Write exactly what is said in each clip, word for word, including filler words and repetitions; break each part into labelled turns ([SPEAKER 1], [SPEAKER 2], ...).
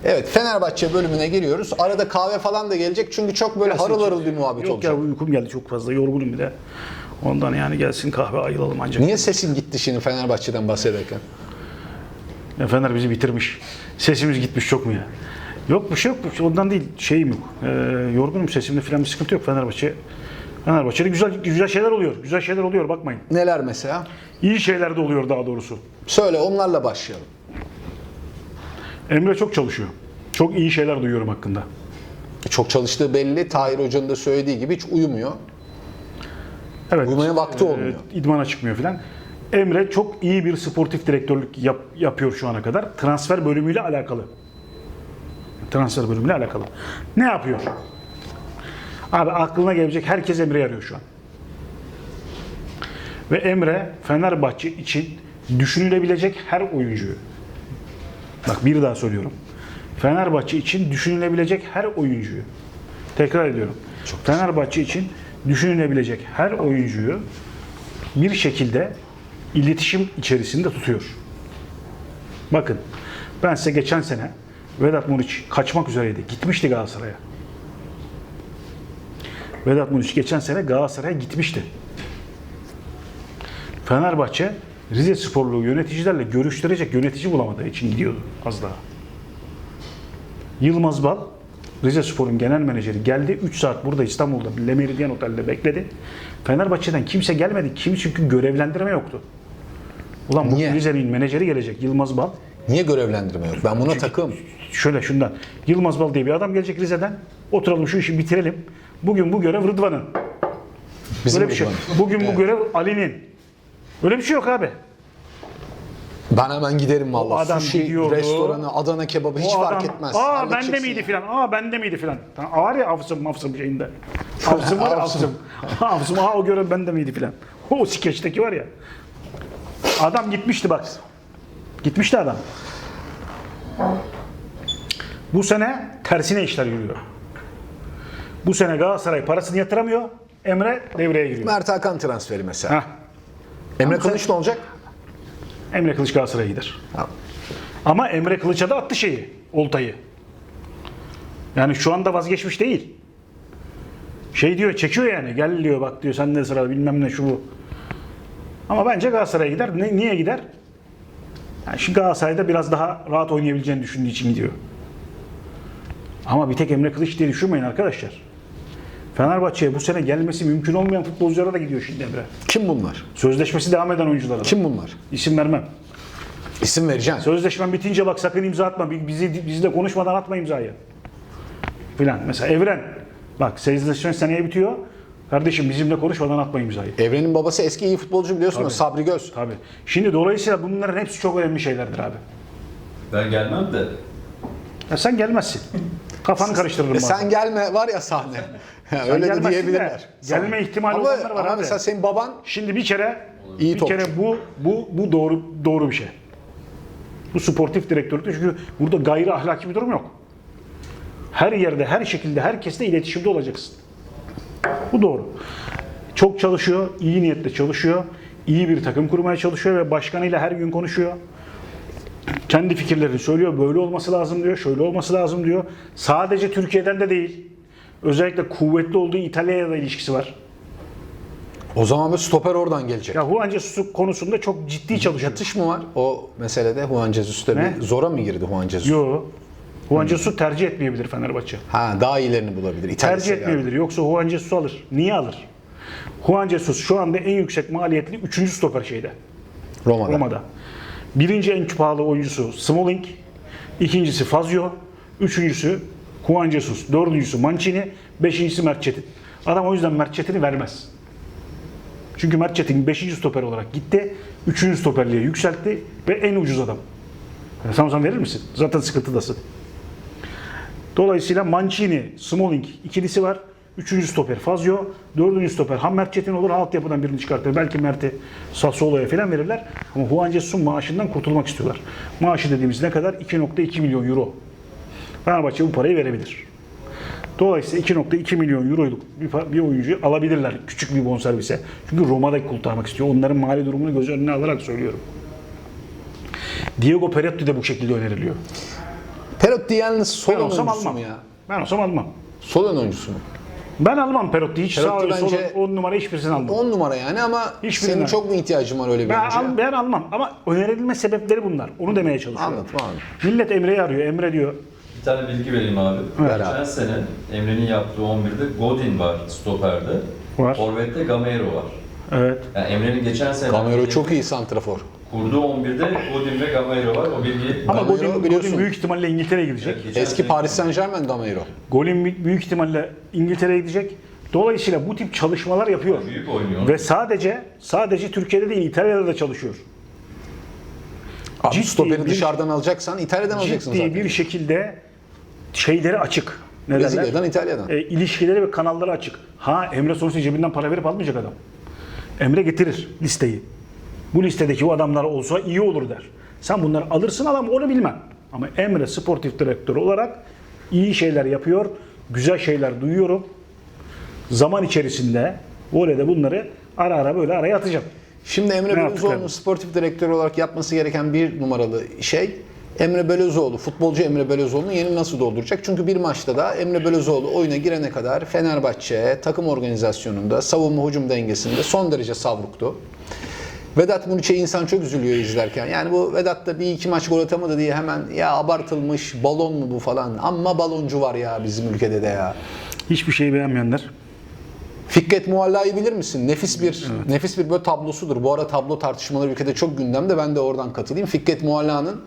[SPEAKER 1] Evet, Fenerbahçe bölümüne giriyoruz. Arada kahve falan da gelecek çünkü çok böyle
[SPEAKER 2] Gelsin
[SPEAKER 1] harıl harıl
[SPEAKER 2] için.
[SPEAKER 1] bir muhabbet
[SPEAKER 2] Yok
[SPEAKER 1] olacak.
[SPEAKER 2] ya, uykum geldi çok fazla, yorgunum bir de. Ondan yani gelsin kahve ayılalım ancak.
[SPEAKER 1] Niye sesin gitti şimdi Fenerbahçe'den bahsederken?
[SPEAKER 2] Ya Fener bizi bitirmiş. Sesimiz gitmiş çok mu ya? Yok bir şey yok. Ondan değil. Şeyim yok. Ee, yorgunum, sesimde falan bir sıkıntı yok. Fenerbahçe Fenerbahçe'de güzel güzel şeyler oluyor. Güzel şeyler oluyor, bakmayın.
[SPEAKER 1] Neler mesela?
[SPEAKER 2] İyi şeyler de oluyor daha doğrusu.
[SPEAKER 1] Söyle, onlarla başlayalım.
[SPEAKER 2] Emre çok çalışıyor. Çok iyi şeyler duyuyorum hakkında.
[SPEAKER 1] Çok çalıştığı belli. Tahir Hoca'nın da söylediği gibi hiç uyumuyor.
[SPEAKER 2] Evet.
[SPEAKER 1] Uyumaya vakti olmuyor.
[SPEAKER 2] E, idmana çıkmıyor falan. Emre çok iyi bir sportif direktörlük yap, yapıyor şu ana kadar. Transfer bölümüyle alakalı. Transfer bölümüyle alakalı. Ne yapıyor? Abi aklına gelecek herkes Emre'yi arıyor şu an. Ve Emre Fenerbahçe için düşünülebilecek her oyuncuyu, bak bir daha söylüyorum, Fenerbahçe için düşünülebilecek her oyuncuyu, tekrar ediyorum, Çok Fenerbahçe için düşünülebilecek her oyuncuyu bir şekilde iletişim içerisinde tutuyor. Bakın, ben size geçen sene Vedat Muriç kaçmak üzereydi. Gitmişti Galatasaray'a. Vedat Muriç geçen sene Galatasaray'a gitmişti. Fenerbahçe Rize Sporlu yöneticilerle görüştürecek yönetici bulamadığı için gidiyordu az daha. Yılmaz Bal, Rize Spor'un genel menajeri, geldi. üç saat burada İstanbul'da Le Meridien Otel'de bekledi. Fenerbahçe'den kimse gelmedi. Kim çünkü görevlendirme yoktu. Ulan bu
[SPEAKER 1] Niye?
[SPEAKER 2] Rize'nin menajeri gelecek, Yılmaz Bal.
[SPEAKER 1] Niye görevlendirme yok? Ben buna takım.
[SPEAKER 2] Şöyle şundan. Yılmaz Bal diye bir adam gelecek Rize'den. Oturalım şu işi bitirelim. Bugün bu görev Rıdvan'ın.
[SPEAKER 1] Bizim
[SPEAKER 2] Böyle bir şey.
[SPEAKER 1] Rıdvan.
[SPEAKER 2] Bugün
[SPEAKER 1] Evet.
[SPEAKER 2] bu görev Ali'nin. Öyle bir şey yok abi.
[SPEAKER 1] Ben hemen giderim
[SPEAKER 2] O
[SPEAKER 1] vallahi.
[SPEAKER 2] adam
[SPEAKER 1] Sushi,
[SPEAKER 2] gidiyordu.
[SPEAKER 1] restoranı, Adana kebabı hiç
[SPEAKER 2] O
[SPEAKER 1] fark
[SPEAKER 2] adam,
[SPEAKER 1] etmez.
[SPEAKER 2] Aa
[SPEAKER 1] Halledeceksin
[SPEAKER 2] bende miydi
[SPEAKER 1] ya.
[SPEAKER 2] filan. Aa bende miydi filan. Tamam, var ya Avsım Mavsım şeyinde. Avsım var ya Avsım. Avsım aa o görev bende miydi filan. O skeçteki var ya. Adam gitmişti bak. Gitmişti adam. Bu sene tersine işler yürüyor. Bu sene Galatasaray parasını yatıramıyor. Emre devreye giriyor.
[SPEAKER 1] Mert Hakan transferi mesela.
[SPEAKER 2] Heh.
[SPEAKER 1] Emre
[SPEAKER 2] Ama
[SPEAKER 1] Kılıç ne olacak?
[SPEAKER 2] Emre Kılıç Galatasaray'a gider.
[SPEAKER 1] Ha.
[SPEAKER 2] Ama Emre Kılıç'a da attı şeyi, oltayı. Yani şu anda vazgeçmiş değil. Şey diyor, çekiyor yani. Gel diyor, bak diyor, sen de sırada bilmem ne şu bu. Ama bence Galatasaray'a gider. Ne, niye gider? Yani şimdi Galatasaray'da biraz daha rahat oynayabileceğini düşündüğü için gidiyor. Ama bir tek Emre Kılıç diye düşünmeyin arkadaşlar. Fenerbahçe'ye bu sene gelmesi mümkün olmayan futbolculara da gidiyor şimdi Emre.
[SPEAKER 1] Kim bunlar?
[SPEAKER 2] Sözleşmesi devam eden oyunculara da.
[SPEAKER 1] Kim bunlar?
[SPEAKER 2] İsim vermem.
[SPEAKER 1] İsim vereceksin. Sözleşmen
[SPEAKER 2] bitince bak sakın imza atma. Bizi bizle konuşmadan atma imzayı. Filan. Mesela Evren. Bak sözleşmen seneye bitiyor. Kardeşim bizimle konuşmadan atma imzayı.
[SPEAKER 1] Evren'in babası eski iyi futbolcu biliyorsun
[SPEAKER 2] Tabii.
[SPEAKER 1] da Sabri Göz.
[SPEAKER 2] Tabii. Şimdi dolayısıyla bunların hepsi çok önemli şeylerdir abi.
[SPEAKER 3] Ben gelmem de.
[SPEAKER 2] Ya sen gelmezsin. Kafanı karıştırırım.
[SPEAKER 1] E
[SPEAKER 2] bazen.
[SPEAKER 1] sen gelme var ya sahne. Ya öyle de
[SPEAKER 2] gelmezsin
[SPEAKER 1] diyebilirler.
[SPEAKER 2] de, gelme ihtimali
[SPEAKER 1] ama,
[SPEAKER 2] olanlar var
[SPEAKER 1] ama
[SPEAKER 2] abi.
[SPEAKER 1] mesela senin baban
[SPEAKER 2] Şimdi bir kere
[SPEAKER 1] İyi
[SPEAKER 2] bir
[SPEAKER 1] topçu.
[SPEAKER 2] kere bu bu bu doğru doğru bir şey. Bu sportif direktörlük, çünkü burada gayri ahlaki bir durum yok. Her yerde, her şekilde, herkesle iletişimde olacaksın. Bu doğru. Çok çalışıyor, iyi niyetle çalışıyor. İyi bir takım kurmaya çalışıyor ve başkanıyla her gün konuşuyor. Kendi fikirlerini söylüyor. Böyle olması lazım diyor, şöyle olması lazım diyor. Sadece Türkiye'den de değil. Özellikle kuvvetli olduğu İtalya'ya da ilişkisi var.
[SPEAKER 1] o zaman bir stoper oradan gelecek.
[SPEAKER 2] Ya Juan Jesus konusunda çok ciddi çalışıyor.
[SPEAKER 1] Yatış mı var o meselede? Juan Jesus'ta
[SPEAKER 2] Ne?
[SPEAKER 1] bir zora mı girdi Juan Jesus?
[SPEAKER 2] Yo. Juan Jesus tercih etmeyebilir Fenerbahçe.
[SPEAKER 1] Ha, daha iyilerini bulabilir. İtalya
[SPEAKER 2] Tercih
[SPEAKER 1] Serie A'da.
[SPEAKER 2] etmeyebilir. Yoksa Juan Jesus'u alır. Niye alır? Juan Jesus şu anda en yüksek maliyetli üçüncü stoper şeyde.
[SPEAKER 1] Roma'da.
[SPEAKER 2] Roma'da. Birinci en pahalı oyuncusu Smalling. İkincisi Fazio. Üçüncüsü Juan Jesus. Dördüncüsü Mancini. Beşincisi Mert Çetin. Adam o yüzden Mert Çetin'i vermez. Çünkü Mert Çetin beşinci stoper olarak gitti. Üçüncü stoperliğe yükseltti ve en ucuz adam. Yani sen o zaman verir misin? Zaten sıkıntıdasın. Dolayısıyla Mancini, Smalling ikilisi var. Üçüncü stoper Fazio. Dördüncü stoper ha Mert Çetin olur, ha altyapıdan birini çıkartır. Belki Mert'i Sassuolo'ya falan verirler. Ama Juan Jesus'un maaşından kurtulmak istiyorlar. Maaşı dediğimiz ne kadar? iki nokta iki milyon euro. Fenerbahçe bu parayı verebilir. Dolayısıyla iki nokta iki milyon euroluk bir, bir oyuncuyu alabilirler küçük bir bonservise. Çünkü Roma'da kurtarmak istiyor. Onların mali durumunu göz önüne alarak söylüyorum. Diego Perotti de bu şekilde öneriliyor.
[SPEAKER 1] Perotti yalnız sol
[SPEAKER 2] Ben
[SPEAKER 1] ön
[SPEAKER 2] olsam
[SPEAKER 1] oyuncusu
[SPEAKER 2] almam.
[SPEAKER 1] mu ya?
[SPEAKER 2] Ben olsam almam.
[SPEAKER 1] Sol ön oyuncusu mu?
[SPEAKER 2] Ben almam Perotti. Hiç
[SPEAKER 1] Perotti
[SPEAKER 2] sağ ön, sol
[SPEAKER 1] bence-
[SPEAKER 2] on numara hiçbirisini almam.
[SPEAKER 1] on numara yani ama
[SPEAKER 2] Hiçbirinden.
[SPEAKER 1] senin çok mu ihtiyacın var öyle bir
[SPEAKER 2] Ben,
[SPEAKER 1] oyuncuya?
[SPEAKER 2] al, ben almam ama önerilme sebepleri bunlar. Onu demeye çalışıyorum.
[SPEAKER 1] Anladım, anladım.
[SPEAKER 2] Millet Emre'yi arıyor. Emre diyor.
[SPEAKER 3] Bir tane bilgi vereyim abi.
[SPEAKER 1] Ver
[SPEAKER 3] Geçen
[SPEAKER 1] abi.
[SPEAKER 3] sene Emre'nin yaptığı on birde Godin var stoperde.
[SPEAKER 2] Var.
[SPEAKER 3] Forvet'te Gamero var.
[SPEAKER 2] Evet.
[SPEAKER 3] Yani Emre'nin geçen sene
[SPEAKER 1] Gamero çok iyi santrafor.
[SPEAKER 3] kurduğu on birde Godin ve Gamero var. O bilgiyi
[SPEAKER 2] Ama
[SPEAKER 1] Gamero
[SPEAKER 2] Godin,
[SPEAKER 1] biliyorsun.
[SPEAKER 2] Godin büyük ihtimalle İngiltere'ye gidecek.
[SPEAKER 3] Evet, geçen
[SPEAKER 1] Eski
[SPEAKER 3] sene-
[SPEAKER 1] Paris Saint Germain Gamero.
[SPEAKER 2] Golin büyük ihtimalle İngiltere'ye gidecek. Dolayısıyla bu tip çalışmalar yapıyor.
[SPEAKER 3] Büyük oynuyor.
[SPEAKER 2] Ve sadece sadece Türkiye'de değil İtalya'da da çalışıyor.
[SPEAKER 1] Abi
[SPEAKER 2] Ciddi
[SPEAKER 1] stoperi
[SPEAKER 2] bir-
[SPEAKER 1] dışarıdan alacaksan İtalya'dan alacaksın
[SPEAKER 2] Ciddi
[SPEAKER 1] zaten.
[SPEAKER 2] bir şekilde şeyleri açık. Ne derler?
[SPEAKER 1] Brezilya'dan İtalya'dan.
[SPEAKER 2] E, ilişkileri ve kanalları açık. Ha Emre sonuçta cebinden para verip almayacak adam. Emre getirir listeyi. Bu listedeki o adamlar olsa iyi olur der. Sen bunları alırsın adam onu bilmem. Ama Emre sportif direktör olarak iyi şeyler yapıyor. Güzel şeyler duyuyorum. Zaman içerisinde voleyde bunları ara ara böyle araya atacağım.
[SPEAKER 1] Şimdi Emre
[SPEAKER 2] Ne
[SPEAKER 1] Belözoğlu'nun
[SPEAKER 2] yaptıkları?
[SPEAKER 1] sportif direktör olarak yapması gereken bir numaralı şey Emre Belözoğlu, futbolcu Emre Belözoğlu'nun yerini nasıl dolduracak? Çünkü bir maçta da Emre Belözoğlu oyuna girene kadar Fenerbahçe takım organizasyonunda, savunma hücum dengesinde son derece savruktu. Vedat Muriç'e insan çok üzülüyor izlerken. Yani bu Vedat da bir iki maç gol atamadı diye hemen ya abartılmış balon mu bu falan. Amma baloncu var ya bizim ülkede de ya.
[SPEAKER 2] Hiçbir şeyi beğenmeyenler.
[SPEAKER 1] Fikret Mualla'yı bilir misin? Nefis bir nefis bir böyle tablosudur. Bu ara tablo tartışmaları ülkede çok gündemde. Ben de oradan katılayım. Fikret Mualla'nın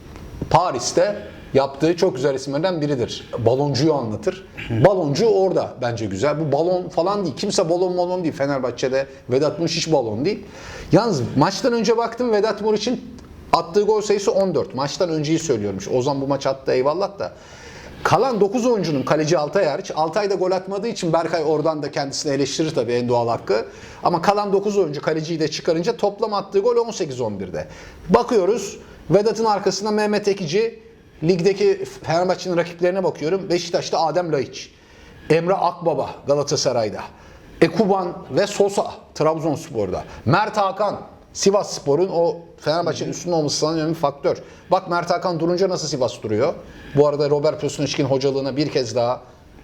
[SPEAKER 1] Paris'te yaptığı çok güzel isimlerden biridir. Baloncuyu anlatır. Baloncu orada bence güzel. Bu balon falan değil. Kimse balon balon değil. Fenerbahçe'de Vedat Muriç hiç balon değil. Yalnız maçtan önce baktım Vedat Muriç'in attığı gol sayısı on dört. Maçtan önceyi söylüyormuş. Ozan bu maç attı eyvallah da. Kalan dokuz oyuncunun kaleci Altay hariç. Altay da gol atmadığı için Berkay oradan da kendisini eleştirir tabii en doğal hakkı. Ama kalan dokuz oyuncu kaleciyi de çıkarınca toplam attığı gol on sekiz on birde. Bakıyoruz Vedat'ın arkasında Mehmet Ekici, ligdeki Fenerbahçe'nin rakiplerine bakıyorum. Beşiktaş'ta Adem Laiç, Emre Akbaba Galatasaray'da, Ekuban ve Sosa Trabzonspor'da, Mert Hakan Sivasspor'un o Fenerbahçe'nin üstünde olması sanırım önemli bir faktör. Bak Mert Hakan durunca nasıl Sivas duruyor. Bu arada Robert Pösünçkin hocalığına bir kez daha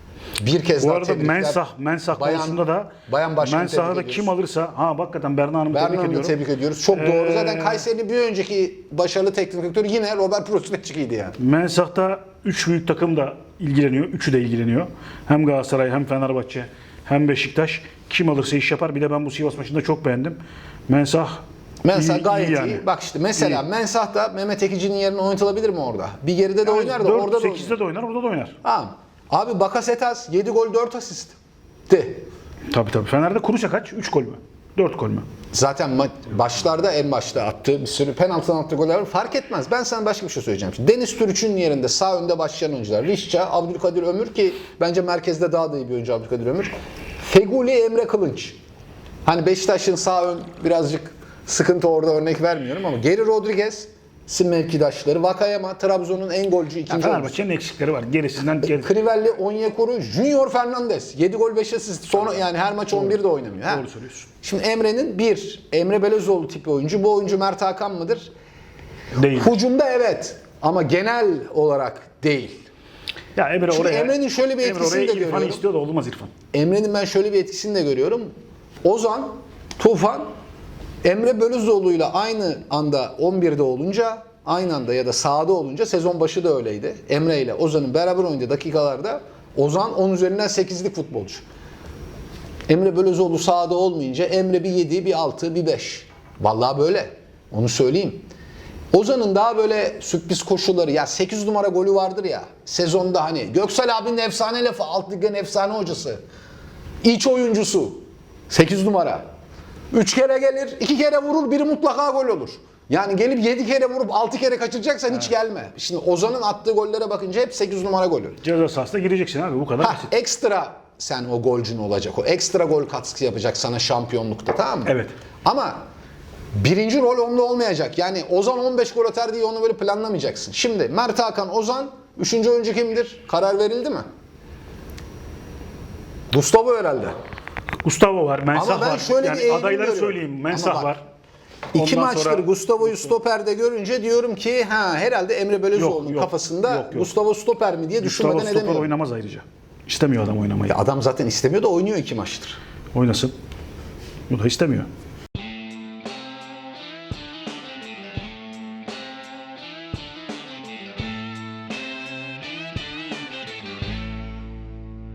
[SPEAKER 1] bir kez
[SPEAKER 2] Bu
[SPEAKER 1] daha
[SPEAKER 2] arada
[SPEAKER 1] tebrikler.
[SPEAKER 2] Mensah, Mensah
[SPEAKER 1] Bayan-
[SPEAKER 2] konusunda da
[SPEAKER 1] Bayan Başkanı
[SPEAKER 2] Mensah'ı da
[SPEAKER 1] tebrik
[SPEAKER 2] kim
[SPEAKER 1] ediyoruz.
[SPEAKER 2] alırsa ha hakikaten Berna Hanım'ı
[SPEAKER 1] Berna
[SPEAKER 2] tebrik
[SPEAKER 1] Hanım'ı
[SPEAKER 2] ediyorum.
[SPEAKER 1] tebrik ediyoruz. Çok doğru.
[SPEAKER 2] Ee,
[SPEAKER 1] Zaten Kayseri'nin bir önceki başarılı teknik direktörü yine Robert Pösünçkin'ydi yani.
[SPEAKER 2] Mensah'ta üç büyük takım da ilgileniyor. Üçü de ilgileniyor. Hem Galatasaray hem Fenerbahçe hem Beşiktaş. Kim alırsa iş yapar. Bir de ben bu Sivas maçında çok beğendim. Mensah
[SPEAKER 1] Mensah
[SPEAKER 2] iyi-
[SPEAKER 1] gayet iyi.
[SPEAKER 2] yani.
[SPEAKER 1] Bak işte mesela Mensah da Mehmet Ekici'nin yerine oynatılabilir mi orada? Bir geride de oynar da
[SPEAKER 2] dört,
[SPEAKER 1] orada da oynar.
[SPEAKER 2] sekizde de oynar, orada da oynar.
[SPEAKER 1] Tamam. Abi Bakasetas yedi gol dört asist. De.
[SPEAKER 2] Tabii tabii. Fener'de Kuruşa kaç? üç gol mü? dört gol mü?
[SPEAKER 1] Zaten ma- başlarda en başta attığı bir sürü penaltıdan attığı goller var. Fark etmez. Ben sana başka bir şey söyleyeceğim. Şimdi Deniz Türüç'ün yerinde sağ önde başlayan oyuncular. Rişça, Abdülkadir Ömür ki bence merkezde daha da iyi bir oyuncu Abdülkadir Ömür. Feguli, Emre Kılınç. Hani Beşiktaş'ın sağ ön birazcık sıkıntı orada örnek vermiyorum ama Geri Rodriguez mevkidaşları. Vakayama, Trabzon'un en golcü
[SPEAKER 2] Ya
[SPEAKER 1] ikinci oyuncusu.
[SPEAKER 2] Fenerbahçe'nin eksikleri var. Gerisinden geri.
[SPEAKER 1] Crivelli, Onyekuru, Junior Fernandez. yedi gol beş asist. Sonra yani her maç on birde oynamıyor. Ha?
[SPEAKER 2] Doğru söylüyorsun.
[SPEAKER 1] Şimdi Emre'nin bir, Emre Belözoğlu tipi oyuncu. Bu oyuncu Mert Hakan mıdır?
[SPEAKER 2] Değil.
[SPEAKER 1] Hucumda evet ama genel olarak değil.
[SPEAKER 2] Ya Emre
[SPEAKER 1] Çünkü
[SPEAKER 2] oraya,
[SPEAKER 1] Emre'nin şöyle bir
[SPEAKER 2] Emre
[SPEAKER 1] etkisini
[SPEAKER 2] oraya
[SPEAKER 1] de
[SPEAKER 2] İrfan
[SPEAKER 1] görüyorum.
[SPEAKER 2] istiyor da olmaz İrfan.
[SPEAKER 1] Emre'nin ben şöyle bir etkisini de görüyorum. Ozan, Tufan, Emre Belözoğlu'yla aynı anda on birde olunca, aynı anda ya da sahada olunca sezon başı da öyleydi. Emre ile Ozan'ın beraber oynadığı dakikalarda Ozan on üzerinden sekizlik futbolcu. Emre Belözoğlu sahada olmayınca Emre bir yedi, bir altı, bir beş. Vallahi böyle. Onu söyleyeyim. Ozan'ın daha böyle sürpriz koşulları ya sekiz numara golü vardır ya sezonda hani Göksel abinin efsane lafı alt ligin efsane hocası. İç oyuncusu. sekiz numara. üç kere gelir, iki kere vurur, biri mutlaka gol olur. Yani gelip yedi kere vurup altı kere kaçıracaksan hiç gelme. Şimdi Ozan'ın attığı gollere bakınca hep sekiz numara golü.
[SPEAKER 2] Ceza sahasına gireceksin abi bu kadar
[SPEAKER 1] Ha,
[SPEAKER 2] basit.
[SPEAKER 1] ekstra sen o golcün olacak. O ekstra gol katkısı yapacak sana şampiyonlukta, tamam mı?
[SPEAKER 2] Evet.
[SPEAKER 1] Ama birinci rol onda olmayacak. Yani Ozan on beş gol atar diye onu böyle planlamayacaksın. Şimdi Mert Hakan, Ozan, üçüncü oyuncu kimdir? Karar verildi mi? Gustavo herhalde.
[SPEAKER 2] Gustavo var, Mensah
[SPEAKER 1] Ama ben
[SPEAKER 2] var.
[SPEAKER 1] şöyle bir
[SPEAKER 2] Yani
[SPEAKER 1] eğilim
[SPEAKER 2] adayları
[SPEAKER 1] görüyorum.
[SPEAKER 2] söyleyeyim. Mensah
[SPEAKER 1] Ama bak,
[SPEAKER 2] var.
[SPEAKER 1] İki
[SPEAKER 2] Ondan
[SPEAKER 1] maçtır
[SPEAKER 2] sonra-
[SPEAKER 1] Gustavo'yu stoperde görünce diyorum ki ha herhalde Emre Belözoğlu'nun
[SPEAKER 2] Yok, yok,
[SPEAKER 1] kafasında
[SPEAKER 2] yok, yok.
[SPEAKER 1] Gustavo stoper mi diye
[SPEAKER 2] Gustavo
[SPEAKER 1] düşünmeden
[SPEAKER 2] stoper
[SPEAKER 1] edemiyorum.
[SPEAKER 2] oynamaz ayrıca. İstemiyor adam oynamayı.
[SPEAKER 1] Ya adam zaten istemiyor da oynuyor iki maçtır.
[SPEAKER 2] Oynasın. O da istemiyor.